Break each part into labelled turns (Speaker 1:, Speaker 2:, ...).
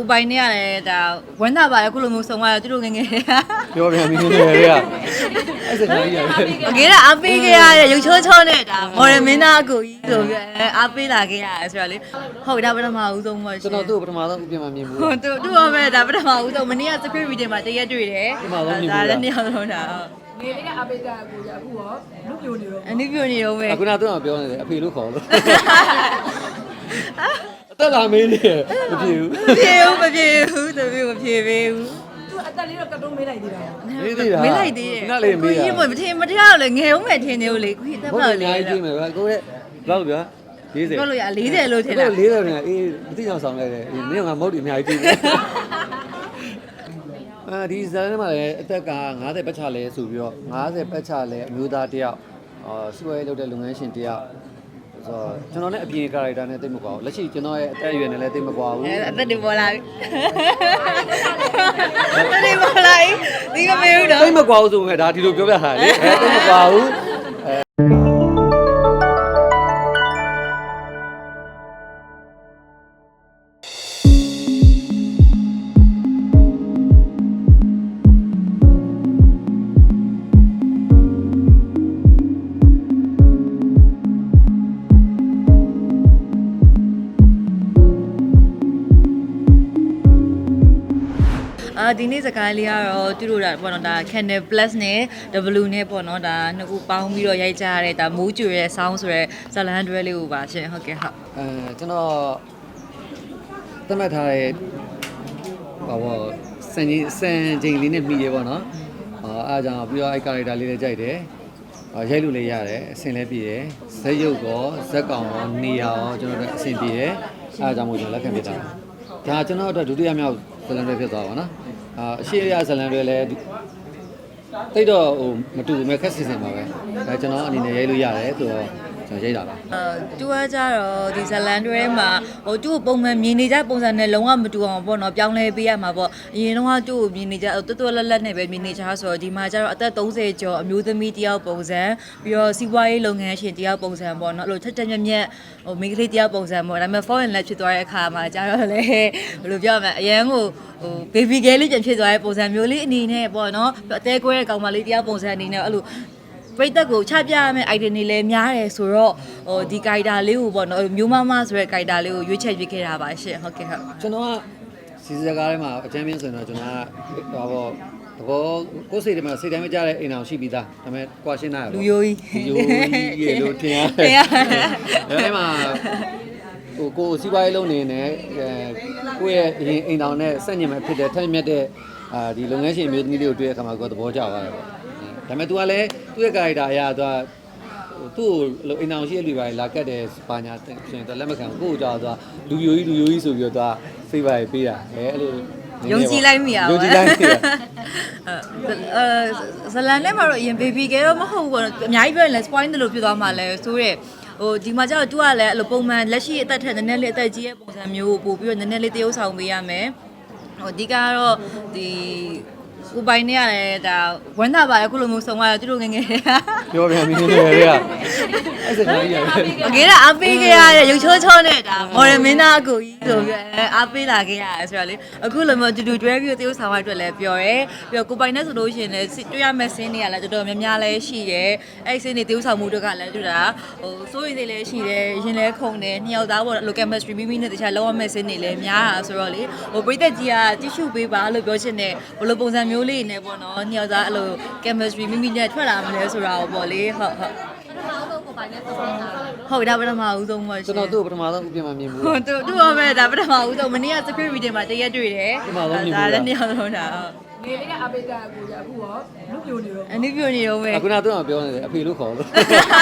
Speaker 1: ကိုပိုင်နေရတယ်ဒါဝမ်းသာပါတယ်ခုလိုမျိုးဆုံးသွားတော့သူတို့ငငယ်
Speaker 2: ပြောပြန်ပြီလေကအဲ့စကားကြီးရတယ်
Speaker 1: ငယ်ကအပေးခဲ့ရတဲ့ရုပ်ချောချောနဲ့ဒါမော်ရမင်းသားအကိုကြီးဆိုပြီးအားပေးလာခဲ့ရတယ်ဆိုတော့လေဟုတ်ဒါပထမဦးဆုံးပေါ့
Speaker 2: ကျွန်တော်သူ့ပထမဆုံးဥပြင်မှာမြင်ဘူး
Speaker 1: ဟုတ်သူ့ရောပဲဒါပထမဦးဆုံးမနေ့က script reading မှာတရက်တွေ့တယ်ဒါလည်းနှစ်ယောက်လုံးတာ
Speaker 3: နေလေးကအပိတ်ကအကိုကြီးအခုရောလူပြိုနေတော့
Speaker 1: အနည်းပြိုနေတော့ပဲ
Speaker 2: အခုနကတော့ပြောနေတယ်အဖေလို့ခေါ်လို့အသက်လာမေးနေမဖြစ်ဘူး
Speaker 1: မဖြစ်ဘူးသူမဖြစ်ပေးဘူး
Speaker 3: သူအသက်လေးတော့ကတုံးမေးလိုက်သေးတာ
Speaker 2: မေးသေးတာ
Speaker 1: မေးလိုက်သေးတယ်
Speaker 2: ခဏလေးမေးရ
Speaker 1: ကိုကြီးမထင်တော့လေငယ်ဦးမယ်ထင်နေလို့လေကိုကြီးတက်ပါလေ
Speaker 2: အများကြီးကြည့်မယ်ဗျကိုရဲ့ဘယ်လောက်ပြော40
Speaker 1: ပြောလို့ရ40လို့ထင်တာ
Speaker 2: 40နဲ့အေးမသိအောင်ဆောင်လိုက်တယ်မင်းကမဟုတ်ဒီအများကြီးကြည့်တယ်ဒီဇာတ်ထဲမှာလည်းအသက်က50ပတ်ချလဲဆိုပြီးတော့50ပတ်ချလဲအမျိုးသားတယောက်စူရဲလုပ်တဲ့လုပ်ငန်းရှင်တယောက်ဆိုတော့ကျွန်တော်လည်းအပြင်ကာရိုက်တာနဲ့တိတ်မကွာဘူးလက်ရှိကျွန်တော်ရဲ့အသက်အရွယ်နဲ့လည်းတိတ်မကွာဘူး
Speaker 1: အသက်တွေပေါ်လာပြီအသက်တွေပေါ်လာပြီဒီကမေးဦးတော့
Speaker 2: တိတ်မကွာဘူးဆိုပေမဲ့ဒါဒီလိုပြောပြတာလေတိတ်မကွာဘူး
Speaker 1: ဒီနေ့စကားလေးကတော့သူတို့ဒါပေါ့နော်ဒါ Channel Plus နဲ့ W နဲ့ပေါ့နော်ဒါနှစ်ခုပေါင်းပြီးတော့ရိုက်ကြရတဲ့ဒါမိုးကျွေရဲ့ sound ဆိုရဲဇလန်တွဲလေးကိုပါရှင်ဟုတ်ကဲ့ဟုတ်
Speaker 2: ကျွန်တော်သတ်မှတ်ထားတဲ့ဘာပေါ့စံချိန်လေးနဲ့မိရေပေါ့နော်အားကြောင့်ပြီးတော့အဲ့ character လေးလည်းကြိုက်တယ်ရိုက်လို့လည်းရတယ်အဆင်လည်းပြည့်တယ်ဇက်ရုပ်ကောဇက်ကောင်ရောနေရောကျွန်တော်တို့အဆင်ပြေတယ်အားကြောင့်မို့ကျွန်တော်လက်ခံပြတာဒါကျွန်တော်တို့ဒုတိယမြောက်ဇလန်တွေဖြစ်သွားပါနော်အရှိရဇလန်တွေလည်းတိတ်တော့ဟိုမတူဘူးမဲ့ခက်စစ်စင်ပါပဲဒါကျွန်တော်အနေနဲ့ရိုက်လို့ရတယ်ဆိုတော့ကျွန်တော်ရိုက်တာပါ
Speaker 1: တူကကြတော့ဒီဇလန်တွဲမှာဟိုသူ့ကိုပုံမှန်မြင်နေကြပုံစံနဲ့လုံးဝမတူအောင်ပေါ့နော်ပြောင်းလဲပေးရမှာပေါ့အရင်တော့သူ့ကိုမြင်နေကြတွတ်တွတ်လက်လက်နဲ့ပဲမြင်နေကြဆိုတော့ဒီမှာကျတော့အသက်30ကျော်အမျိုးသမီးတယောက်ပုံစံပြီးတော့စီးပွားရေးလုပ်ငန်းရှင်တယောက်ပုံစံပေါ့နော်အဲ့လိုထက်တက်မြက်မြက်ဟိုမိန်းကလေးတယောက်ပုံစံပေါ့ဒါပေမဲ့ foreign လက်ဖြစ်သွားတဲ့အခါမှာကျတော့လေဘယ်လိုပြောရမလဲအရန်ကိုဟို baby girl လေးပြန်ဖြစ်သွားတဲ့ပုံစံမျိုးလေးအနေနဲ့ပေါ့နော်အသေးကွဲတဲ့ကောင်မလေးတယောက်ပုံစံအနေနဲ့အဲ့လိုပရိသတ်ကိုချပြရမယ့် item တွေလည်းများတယ်ဆိုတော့ဟိုဒီ character လေးကိုပေါ့နော်မျိုးမမဆိုတဲ့ character လေးကိုရွေးချယ်ပေးခဲ့တာပါရှင့်ဟုတ်ကဲ့ဟုတ်
Speaker 2: ကျွန်တော်ကစီစကားထဲမှာအချမ်းပြင်းဆိုရင်တော့ကျွန်တော်ကဟောပေါ့သဘောကိုယ်စိတ်ထဲမှာစိတ်တိုင်းမကြတဲ့အိမ်အောင်ရှိပြီးသားဒါပေမဲ့ကွာရှင်းတာ
Speaker 1: လူယိုကြီး
Speaker 2: ရေလို့ထင်ရတယ်အဲ့မှာဟိုကိုစီးပွားရေးလုပ်နေနေကိုယ့်ရဲ့အိမ်အောင်နဲ့ဆက်ညင်မဲ့ဖြစ်တဲ့ထိုက်မြက်တဲ့ဒီလုပ်ငန်းရှင်မျိုးသမီးလေးကိုတွေ့တဲ့အခါမှာကိုယ်သဘောကျသွားတယ်ပေါ့ဒါပေမဲ့ तू ကလည်းသူ့ရဲ့ character အရာ तू သူ့ကိုအိမ်အောင်ရှိတဲ့လူတွေလာကတ်တယ်ပါညာဆိုရင် तू လက်မခံဘူးကိုယ့်ကိုကြောက်သွားလူယိုကြီးဆိုပြီးတော့ तू စိတ်ပါပေးတာအဲ့လို
Speaker 1: ယုံကြည်လိုက်မိရပါ
Speaker 2: ယုံကြည်လိုက်မိရ
Speaker 1: ဇလန်နဲ့မှာတော့အရင် baby girl တော့မဟုတ်ဘူးပေါ့အများကြီးပြောရင်လည်း spoil တယ်လို့ပြောသွားမှလည်းဆိုရဲဟိုဒီမှာကျတော့ तू ကလည်းအဲ့လိုပုံမှန်လက်ရှိအသက်ထက်နည်းနည်းလေးအသက်ကြီးရဲ့ပုံစံမျိုးကိုပို့ပြီးတော့နည်းနည်းလေးတရုပ်ဆောင်ပေးရမယ်ဟိုအဓိကတော့ဒီကိုပိုင်နေရတယ်ဒါဝမ်းသာပါတယ်ခုလိုမျိုးဆုံးသွားတော့သူတို့ငငယ်
Speaker 2: ပြောပြန်ပြီလေကအဲ့စကားကြီးရတယ်
Speaker 1: ငယ်ကအပေးခဲ့ရတဲ့ရုပ်ချောချောနဲ့ဒါမော်ရမင်းသားအကိုကြီးဆိုပြီးအားပေးလာခဲ့ရတယ်ဆိုတော့လေအခုလိုမျိုးတူတွဲပြီးတရုပ်ဆောင်ရအတွက်လည်းပြောရဲပြီးတော့ကိုပိုင်နဲ့ဆိုလို့ရှိရင်လည်းတွေ့ရမယ့်ဆင်းတွေကလည်းတော်တော်များများလည်းရှိရဲအဲ့ဆင်းတွေတရုပ်ဆောင်မှုတွေကလည်းတွေ့တာဟိုစိုးရိမ်တွေလည်းရှိတယ်ရင်လည်းခုန်တယ်နှစ်ယောက်သားပေါ့လို chemistry မိမိနဲ့တခြားလောက်ရမယ့်ဆင်းတွေလည်းများတာဆိုတော့လေဟိုပရိသတ်ကြီးကတိရှုပေးပါလို့ပြောချင်တယ်ဘယ်လိုပုံစံမျိုးလေးနဲ့ပေါ့နော်နှစ်ယောက်သားအဲ့လို chemistry မိမိနဲ့ထွက်လာမလဲဆိုတာပေါ့လေဟုတ်ဟုတ်ဒါပထမဦးဆုံးပေါ့
Speaker 2: ကျွန်တော်သူ့ပထမဆုံးဥပြင်မှာမြင်ဘူး
Speaker 1: ဟုတ်သူရောပဲဒါပထမဦးဆုံးမနေ့က script reading မှာတရက်တွေ့တယ်
Speaker 2: ဒါ
Speaker 1: လည်းနှစ်ယောက်လုံးတာ
Speaker 3: နေလေးကအပိတ်ကအကိုကြီးအခုရောလူပြိုနေတော့
Speaker 1: အနည်းပြိုနေတော့ပဲ
Speaker 2: အခုနကတော့ပြောနေတယ်အဖေလို့ခေါ်လို့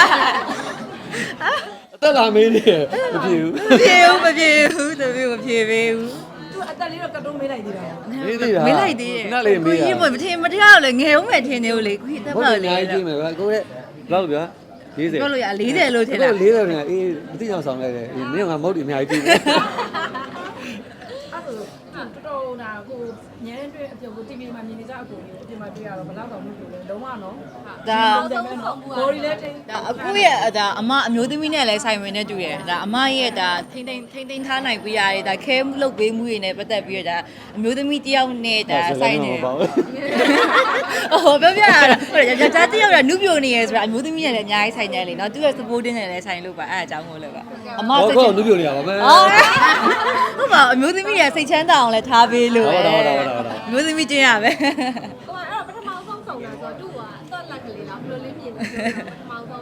Speaker 2: အသက်လာမေးနေမဖြစ်ဘူး
Speaker 1: သူမဖြစ်ပေးဘူး
Speaker 3: သူအသက်လေးတော့ကတုံးမေးလိုက်သေးတာ
Speaker 2: မေးသေးတာ
Speaker 1: မေးလိုက်သေးတယ်
Speaker 2: ခဏလေးမေးရ
Speaker 1: မထင်တော့လေငယ်ဦးမယ်ထင်နေလို့လေကိုကြီးတက်ပါလေ
Speaker 2: အများကြီးကြည့်မယ်ဗျကိုရဲ့ဘယ်လောက်ပြော40
Speaker 1: ပြောလို့ရ40လို့ထင်တာ
Speaker 2: 40နဲ့အေးမသိအောင်ဆောင်လိုက်တယ်မင်းကမဟုတ်ဒီအများကြီးကြည့်တယ်
Speaker 3: အဲ့ဆိုတော်တော်နာကိုညနေတွေ့အပြုံကို TV မှာမြင်နေကြအကူကြီးအပြင်မှာတွေ့ရတော့ဘယ်တော့မှမလုပ်ဘူးလုံးဝနော်
Speaker 1: ဒါ
Speaker 3: ဘော်ဒီလည်းတိတ်
Speaker 1: ဒါအခုရဲ့ဒါအမအမျိုးသမီးနဲ့လည်းဆိုင်ဝင်နေတူတယ်ဒါအမရဲ့ဒါထိမ့်ထားနိုင်ပေးရတယ်ဒါခဲမှုလုပ်ပေးမှုတွေနဲ့ပတ်သက်ပြီးတော့ဒါအမျိုးသမီးတယောက်နဲ့ဒါဆိုင်နေဟိုပြောပြရတာဟုတ်တယ်ကြာတယောက်ကနုပြိုနေရဆိုတာအမျိုးသမီးနဲ့လည်းအများကြီးဆိုင်နေလေနော်သူရဲ့ supporting နဲ့လည်းဆိုင်လို့ပါအဲ့အကြောင်းကိုလည်းပါအမ
Speaker 2: ဟုတ်
Speaker 1: စိတ်
Speaker 2: ကောနုပြိုနေရပါမယ်
Speaker 1: ဟုတ်ပါအမျိုးသမီးရဲ့စိတ်ချမ်းသာအောင်လည်းထားပေးလို့အမျိုးသမီးကျင်းရပဲ
Speaker 4: ဟိုအဲ့တော့ပထမဆုံးဆောင်တာဆိုတော့သူ့ကတော့လက်ကလေးလားဘယ်လိုလေးမြင်လဲပထမဆုံး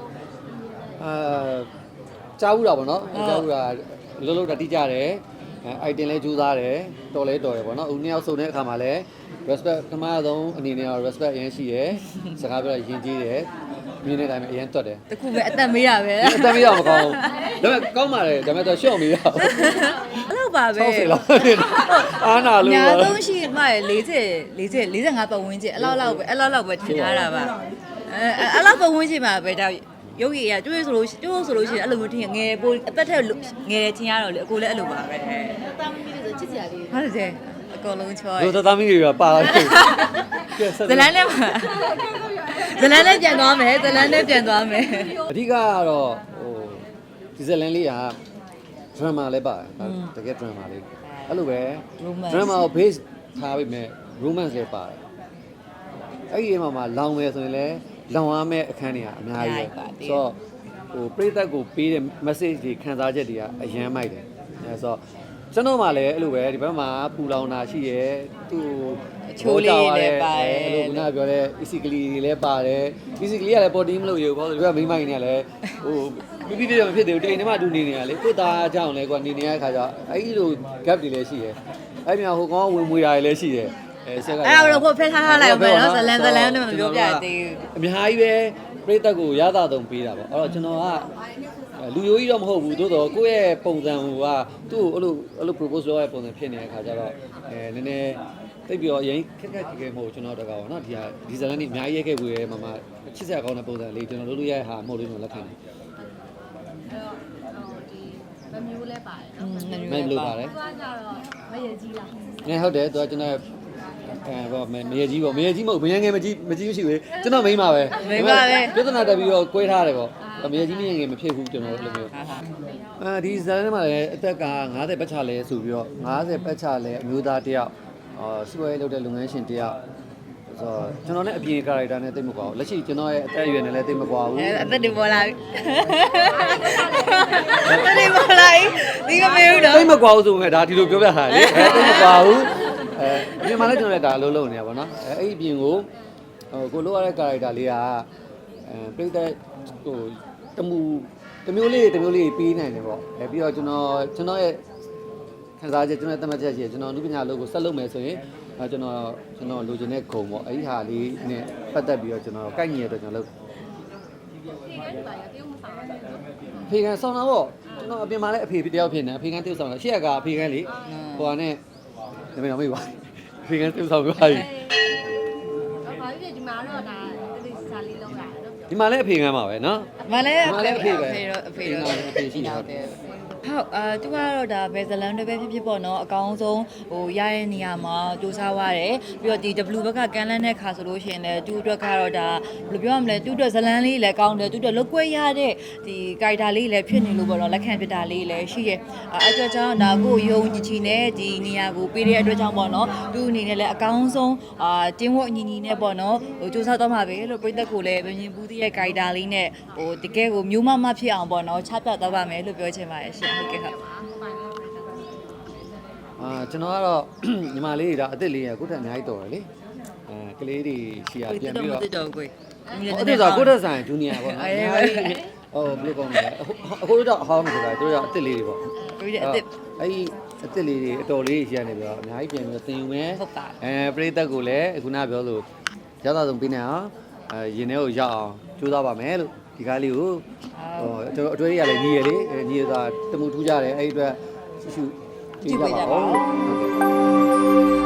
Speaker 2: ကြားဘူးတာပေါ့နော်ကြားဘူးတာလုံးလုံးတာတိကြတယ်အိုက်တင်လဲကြိုးစားတယ်တော်လဲတော်တယ်ပေါ့နော်ဦးနှစ်ယောက်စုံတဲ့အခါမှာလဲ respect ပထမဆုံးအနေနဲ့ respect အရင်ရှိတယ်စကားပြောရင်ကြီးတယ်မြင်းတဲ့အတိုင်းပဲအရင်တွတ်တယ်
Speaker 1: တခုပဲအသက်မေးရပဲ
Speaker 2: အသက်မရမကောင်းဘူးဒါပေမဲ့ကောင်းပါတယ်ဒါပေမဲ့တော့ရှော့မရဘူး
Speaker 1: အဲ့လိုပါပဲ
Speaker 2: 60လောက်အားနာလို့
Speaker 1: ညာဆုံးရှိမှ45ပတ်ဝန်းကျင်အဲ့လောက်ပဲထင်ထားတာပါအဲ့လောက်ပတ်ဝန်းကျင်မှာပဲဒါရုပ်ရည်ရတွေ့ဆိုလို့ရှိရင်အဲ့လိုမျိုးထင်ငယ်ပိုအသက်ထက်ငယ်တယ်ထင်ရတော့လေအကိုလည်းအဲ့လိုပါပဲ
Speaker 4: တာမီးလေးဆိုချစ်စရာလေး
Speaker 1: ဟုတ်တယ်အကုန်လုံးချော
Speaker 2: တို့သားသမီးတွေကပါလာတယ်
Speaker 1: ဇလန်းနဲ့ပြန်သွားမယ်ဇလန်းနဲ့ပြန်သွားမယ်
Speaker 2: အဓိကကတော့ဟိုဒီဇလန်လေးက drama လည်းပါတယ်တကယ် drama လေးအဲ့လိုပဲ drama ကို base ထားပြီးမဲ့ romance လည်းပါတယ်အဲ့ဒီမှာလောင်မယ်ဆိုရင်လည်းလောင်ရမယ့်အခန်းတွေကအများကြီးပဲဆိုတော့ဟိုပရိသတ်ကိုပေးတဲ့ message တွေခံစားချက်တွေကအရန်မိုက်တယ်အဲဆိုတော့ကျွန်တော်မှလည်းအဲ့လိုပဲဒီဘက်မှာပူလောင်တာရှိရဲသူ့
Speaker 1: ချိုးလေးလည်းပါတယ်
Speaker 2: အဲ့လိုခုနကပြောတဲ့ easily တွေလည်းပါတယ် easily ကလည်း body မလို့ရဘူးပေါ့ဒီဘက်ကမိမိုင်းနေလည်းဟိုပြပြပြမဖြစ်သေးဘူးတိမ်ထဲမှာတူနေနေရလေကိုသားကြောင့်လည်းကွာနေနေရတဲ့ခါကျအဲ့ဒီလို gap တွေလည်းရှိရဲအဲ့မြောင်ဟိုကောင်ဝင်မွေတာတွေလည်းရှိရဲဆက်က
Speaker 1: အဲ့တော့ကိုဖက်ထားလိုက်အောင်မယ်နော်ဇလန်းနဲ့မပြောပြသေးဘူး
Speaker 2: အများကြီးပဲပြိသက်ကိုရတာတုံပေးတာပေါ့အဲ့တော့ကျွန်တော်ကလူရိုးကြီးတော့မဟုတ်ဘူးသို့တော့ကိုယ့်ရဲ့ပုံစံကသူ့ကိုအဲ့လို propose လုပ်ရတဲ့ပုံစံဖြစ်နေတဲ့ခါကျတော့နည်းနည်းတိတ်ပြီးတော့အရင်ခက်ခဲမဟုတ်ကျွန်တော်တကောနော်ဒီဇလန်นี่အများကြီးရဲခဲ့ဘူးရဲမမချစ်စရာကောင်းတဲ့ပုံစံလေးကျွန်တော်လုပ်လို့ရတဲ့ဟာမဟုတ်လို့ကျွန်တော်လက်ခံတယ်
Speaker 4: အဲ့တော့ဒီမမျိုးလဲပါတယ်နော်
Speaker 2: မင်းလို့ပါတယ်
Speaker 4: သူကကြတော့မရကြီးလား
Speaker 2: ငယ်ဟုတ်တယ်သူကကျွန်တော်ဘောမရကြီးပေါ့မရကြီးမဟုတ်မရငယ်မကြီးမရှိဘူးကျွန်တော်မိန်းပါပဲပြဿနာတက်ပြီးတော့ကွဲထားတယ်ပေါ့မရကြီးမရငယ်မဖြစ်ဘူးကျွန်တော်အဲ့လိုမျိုးဒီဇာတ်ထဲမှာလည်းအသက်က50ပတ်ချလဲဆိုပြီးတော့50ပတ်ချလဲအမျိုးသားတယောက်စပွဲလုပ်တဲ့လုပ်ငန်းရှင်တယောက်ဆိုတော့ကျွန်တော်လည်းအပြင် character နဲ့တိတ်မကွာဘူးလက်ရှိကျွန်တော်ရဲ့အသက်အရွယ်နဲ့လည်းတိတ်မကွာဘူး
Speaker 1: အသက်တွေပေါ်လာပြီအသက်တွေပေါ်လာပြီဒီမမေဘူးနော်
Speaker 2: တိတ်မကွာဘူးဆိုပေမဲ့ဒါဒီလိုပြောပြတာလေတိတ်မကွာဘူးအပြင်မှာလည်းကျွန်တော်လည်းဒါအလုပ်လုပ်နေရပါတော့အဲ့ဒီအပြင်ကိုကိုလိုရတဲ့ character လေးကပြိတ္တဟိုတမျိုးလေးပေးနိုင်တယ်ပေါ့ပြီးတော့ကျွန်တော်ရဲ့ခံစားချက်ကျွန်တော်ရဲ့သတ်မှတ်ချက်ရှိတယ်ကျွန်တော်အနုပညာလုပ်ကိုဆက်လုပ်မယ်ဆိုရင်ကျွန်တော်လိုချင်တဲ့ဂုံပေါ့အဲ့ဒီဟာလေးနဲ့ပတ်သက်ပြီးတော့ကျွန်တော်ကိုက်ညီရတော့ကျွန်တော်လုပ်
Speaker 4: ဒီကနေ့ပါရတရုတ်မဆောင်ရဘူး
Speaker 2: ဖေကန်ဆောင်တာပေါ့ကျွန်တော်အပြင်မှာလည်းအဖေတယောက်ဖြစ်နေဖေကန်တိကျဆောင်တာရှေ့ကအဖေကန်လေဟိုကနေနမေတော့မေးပါဖေကန်တိကျဆောင်ပြပါပြီ
Speaker 4: တော့ဘာဖြစ်ဒီမှာတော့ဒါတိတိစားလေးလုံးလာတော့
Speaker 2: ဒီမှာလည်းအဖေကန်ပါပဲเนาะ
Speaker 1: မလည်း
Speaker 2: ဒီမှာလည်းအဖေပဲ
Speaker 1: အဖေတော့ရှိတာဟုတ်သူကတော့ဒါဘယ်ဇလန်တွေပဲဖြစ်ပေါ့နော်အကောင်းဆုံးဟိုရတဲ့နေရာမှာစူးစမ်းရတယ်ပြီးတော့ဒီ W ဘက်ကကန်လန်းတဲ့ခါဆိုလို့ရှိရင်လည်းသူ့အတွက်ကတော့ဒါဘယ်လိုပြောရမလဲသူ့အတွက်ဇလန်လေးလည်းကောင်းတယ်သူ့အတွက်လုတ်ကွဲရတဲ့ဒီကာရီတာလေးလည်းဖြစ်နေလို့ပေါ့နော်လက်ခံပြတာလေးလည်းရှိရဲ့အဲ့အတွက်ကြောင့်ဒါကိုယုံကြည်နဲ့ဒီနေရာကိုပေးတဲ့အတွက်ကြောင့်ပေါ့နော်သူ့အနေနဲ့လည်းအကောင်းဆုံးတင်းဝတ်ညီနဲ့ပေါ့နော်ဟိုစူးစမ်းတော့မှာပဲလို့ပြည်သက်ကိုလည်းမြင်ဘူးတဲ့ကာရီတာလေးနဲ့ဟိုတကယ်ကိုမျိုးမဖြစ်အောင်ပေါ့နော်ချပြတော့ပါမယ်လို့ပြောချင်ပါတယ်ရှင်ဟုတ်ကဲ့ဟုတ်
Speaker 2: ကျွန်တော်ကတော့ညီမလေးတွေဒါအသက်လေးရကိုယ့်တက်အများကြီးတော်တယ်လေကလေးတွေရှီယာပြန်ပြီးတော့
Speaker 1: ဟုတ်တော့ကို
Speaker 2: အဲ့ဒါဆိုကိုယ့်တက်ဆိုင်ဂျူနီယာပေါ့နော်အများကြီးဟိုဘယ်လိုကောင်းလဲအခုတော့အဟောင်းနေတာတို့ရအသက်လေးတွေပေါ့
Speaker 1: ပြီးတဲ့အစ်
Speaker 2: အဲ့ဒီအသက်လေးတွေအတော်လေးရှီယာနေပြီးတော့အများကြီးပြန်ပြီးတော့သင်ယူမယ်
Speaker 1: ဟုတ်ပါ
Speaker 2: ပရိသတ်ကိုလည်းခုနပြောလို့ရသဆုံးပေးနေအောင်ရင်ထဲကိုရောက်အောင်ကြိုးစားပါမယ်လို့ဒီကားလေးကိုကျွန်တော်အတွေ့အကြုံရလည်းညီရလေညီရတာတမှုထူးကြတယ်အဲ့ဒီအတွက်ရှုကြည့်ကြပါဦး